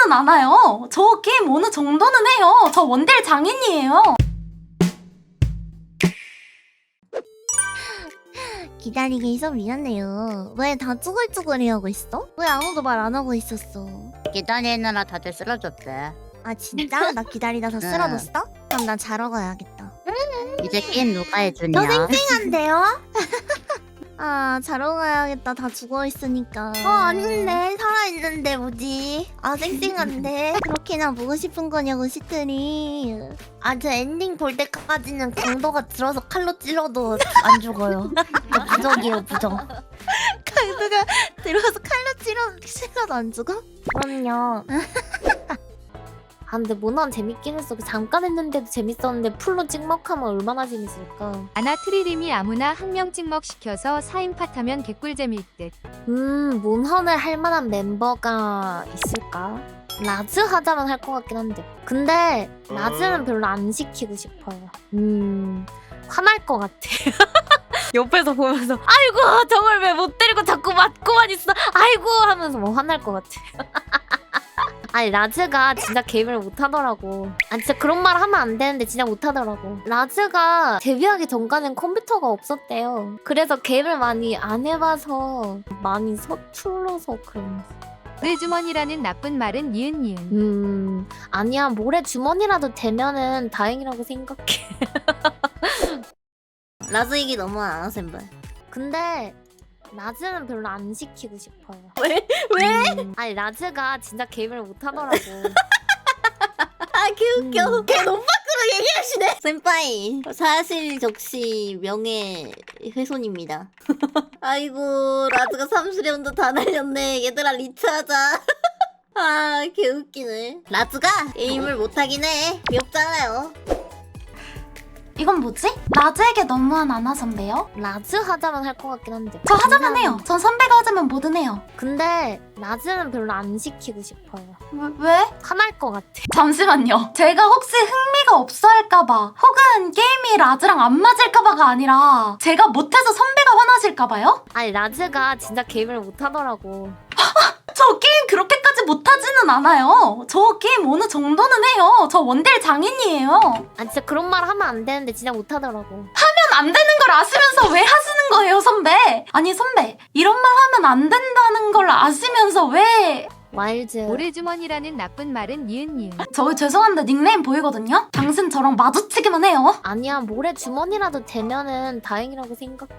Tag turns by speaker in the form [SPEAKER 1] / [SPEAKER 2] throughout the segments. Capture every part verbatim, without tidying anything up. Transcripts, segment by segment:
[SPEAKER 1] 터지지는 않아요. 저 게임 어느 정도는 해요. 저 원딜 장인이에요.
[SPEAKER 2] 기다리게 해서 미안해요. 왜 다 쭈글쭈글해하고 있어? 왜 아무도 말 안 하고 있었어?
[SPEAKER 3] 기다리느라 다들 쓰러졌대.
[SPEAKER 2] 아 진짜? 나 기다리다 다
[SPEAKER 3] 응.
[SPEAKER 2] 쓰러졌어? 그럼 난 자러 가야겠다.
[SPEAKER 3] 이제 게임 누가 해주냐?
[SPEAKER 2] 저 쌩쌩한데요? 아 자러 가야겠다. 다 죽어있으니까. 어 아닌데 살아있는데 뭐지? 아 쌩쌩한데 그렇게나 보고 싶은 거냐고 시트리. 아 저 엔딩 볼 때까지는 강도가 들어서 칼로 찔러도 안 죽어요. 저 부적이에요 부적. 강도가 들어서 칼로 찔러, 찔러도 안 죽어? 그럼요. 아 근데 모난 재밌긴 했어. 잠깐 했는데도 재밌었는데 풀로 찍먹하면 얼마나 재밌을까.
[SPEAKER 4] 아나 트리림이 아무나 한 명 찍먹 시켜서 사 인 팟하면 개꿀잼일 듯.
[SPEAKER 2] 음 몬헌을 할 만한 멤버가 있을까? 라즈 하자면 할 것 같긴 한데. 근데 라즈는 별로 안 시키고 싶어요. 음 화날 것 같아. 옆에서 보면서 아이고 저걸 왜 못 때리고 자꾸 맞고만 있어. 아이고 하면서 뭐 화날 것 같아. 아니 라즈가 진짜 게임을 못하더라고. 아 진짜 그런 말 하면 안 되는데 진짜 못하더라고. 라즈가 데뷔하기 전까지는 컴퓨터가 없었대요. 그래서 게임을 많이 안 해봐서 많이 서툴러서 그런.
[SPEAKER 4] 모래주머니라는 나쁜 말은 니은니은.
[SPEAKER 2] 음 아니야 모래 주머니라도 되면은 다행이라고 생각해. 라즈 얘기 너무 안 하셈발. 근데 라즈는 별로 안 시키고 싶어요. 왜? 왜? 음, 아니 라즈가 진짜 게임을 못하더라고. 아 개웃겨.
[SPEAKER 3] 음.
[SPEAKER 2] 걔 너무 밖으로 얘기하시네. 센파이 사실 적시 명예훼손입니다. 아이고 라즈가 삼수령도 다 날렸네. 얘들아 리트하자. 아 개웃기네. 라즈가 게임을 못하긴 해. 귀엽잖아요.
[SPEAKER 1] 이건 뭐지? 라즈에게 너무한 아나 선배요?
[SPEAKER 2] 라즈 하자면 할 것 같긴 한데.
[SPEAKER 1] 저 하자면
[SPEAKER 2] 근데-
[SPEAKER 1] 해요. 전 선배가 하자면 뭐든 해요.
[SPEAKER 2] 근데 라즈는 별로 안 시키고 싶어요.
[SPEAKER 1] 왜? 왜?
[SPEAKER 2] 화날 것 같아.
[SPEAKER 1] 잠시만요. 제가 혹시 흥미가 없어 할까봐 혹은 게임이 라즈랑 안 맞을까봐가 아니라 제가 못해서 선배가 화나실까봐요?
[SPEAKER 2] 아니 라즈가 진짜 게임을 못하더라고.
[SPEAKER 1] 저 게임 그렇게까지 못하지는 않아요. 저 게임 어느 정도는 해요. 저 원딜 장인이에요.
[SPEAKER 2] 아 진짜 그런 말 하면 안 되는데 진짜 못하더라고.
[SPEAKER 1] 하면 안 되는 걸 아시면서 왜 하시는 거예요, 선배? 아니, 선배. 이런 말 하면 안 된다는 걸 아시면서 왜...
[SPEAKER 2] 와일즈.
[SPEAKER 4] 모래주머니라는 나쁜 말은 니은니은.
[SPEAKER 1] 저 죄송한데 닉네임 보이거든요? 당신 저랑 마주치기만 해요.
[SPEAKER 2] 아니야 모래 주머니라도 되면은 다행이라고 생각해.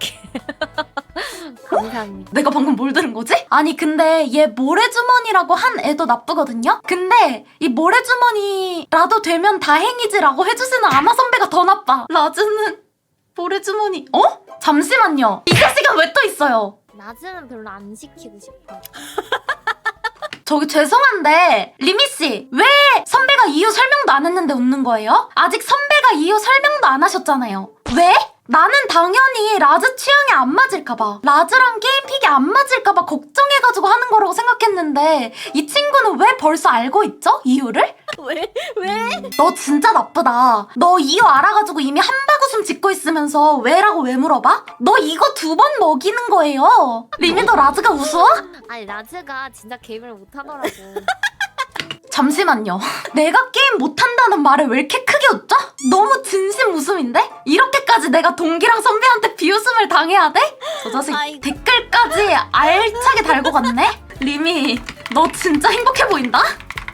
[SPEAKER 2] 감사합니다.
[SPEAKER 1] 내가 방금 뭘 들은 거지? 아니 근데 얘 모래주머니라고 한 애도 나쁘거든요? 근데 이 모래주머니라도 되면 다행이지라고 해주시는 아나 선배가 더 나빠. 라즈는 모래주머니... 어? 잠시만요. 이 자식은 왜 또 있어요?
[SPEAKER 2] 라즈는 별로 안 시키고 싶어.
[SPEAKER 1] 저기 죄송한데 리미씨 왜 선배가 이유 설명도 안 했는데 웃는 거예요? 아직 선배가 이유 설명도 안 하셨잖아요. 왜? 나는 당연히 라즈 취향에 안 맞을까봐 라즈랑 게임 픽이 안 맞을까봐 걱정해가지고 하는 거라고 생각했는데 이 친구는 왜 벌써 알고 있죠? 이유를?
[SPEAKER 2] 왜? 왜?
[SPEAKER 1] 너 진짜 나쁘다. 너 이유 알아가지고 이미 한바구음 짓고 있으면서 왜라고 왜 물어봐? 너 이거 두 번 먹이는 거예요. 리미 너 라즈가 우스워?
[SPEAKER 2] 아니 라즈가 진짜 게임을 못하더라고.
[SPEAKER 1] 잠시만요. 내가 게임 못한다는 말을 왜 이렇게 크게 웃죠? 너무 진심 웃음인데? 이렇게까지 내가 동기랑 선배한테 비웃음을 당해야 돼? 저 자식
[SPEAKER 2] 아이고.
[SPEAKER 1] 댓글까지 알차게 달고 갔네? 리미, 너 진짜 행복해 보인다?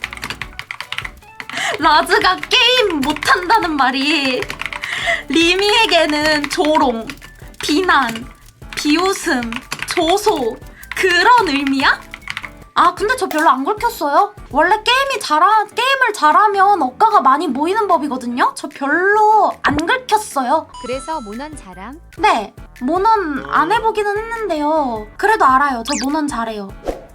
[SPEAKER 1] 라즈가 게임 못한다는 말이 리미에게는 조롱, 비난, 비웃음, 조소 그런 의미야? 아 근데 저 별로 안 긁혔어요. 원래 게임이 잘하, 게임을 잘하면 억가가 많이 모이는 법이거든요. 저 별로 안 긁혔어요.
[SPEAKER 4] 그래서 모넌 자랑.
[SPEAKER 1] 네, 모넌 안 해보기는 했는데요. 그래도 알아요. 저 모넌 잘해요.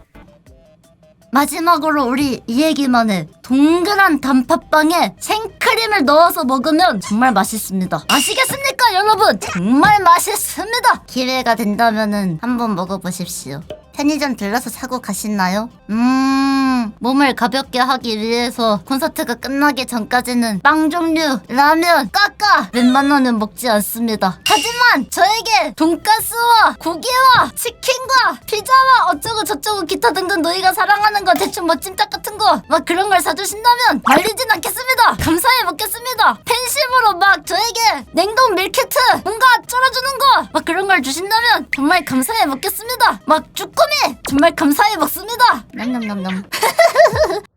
[SPEAKER 5] 마지막으로 우리 이 얘기만 해. 동그란 단팥빵에 생크림을 넣어서 먹으면 정말 맛있습니다. 아시겠습니까 여러분? 정말 맛있습니다. 기회가 된다면은 한번 먹어보십시오. 편의점 들러서 사고 가시나요? 음... 그냥 몸을 가볍게 하기 위해서 콘서트가 끝나기 전까지는 빵 종류, 라면, 까까 웬만하면 먹지 않습니다. 하지만 저에게 돈가스와 고기와 치킨과 피자와 어쩌고 저쩌고 기타 등등 너희가 사랑하는 거 대충 뭐 찜닭 같은 거 막 그런 걸 사주신다면 말리진 않겠습니다. 감사히 먹겠습니다. 팬심으로 막 저에게 냉동 밀키트 뭔가 쩔어주는 거 막 그런 걸 주신다면 정말 감사히 먹겠습니다. 막 쭈꾸미 정말 감사히 먹습니다. 냠냠냠냠.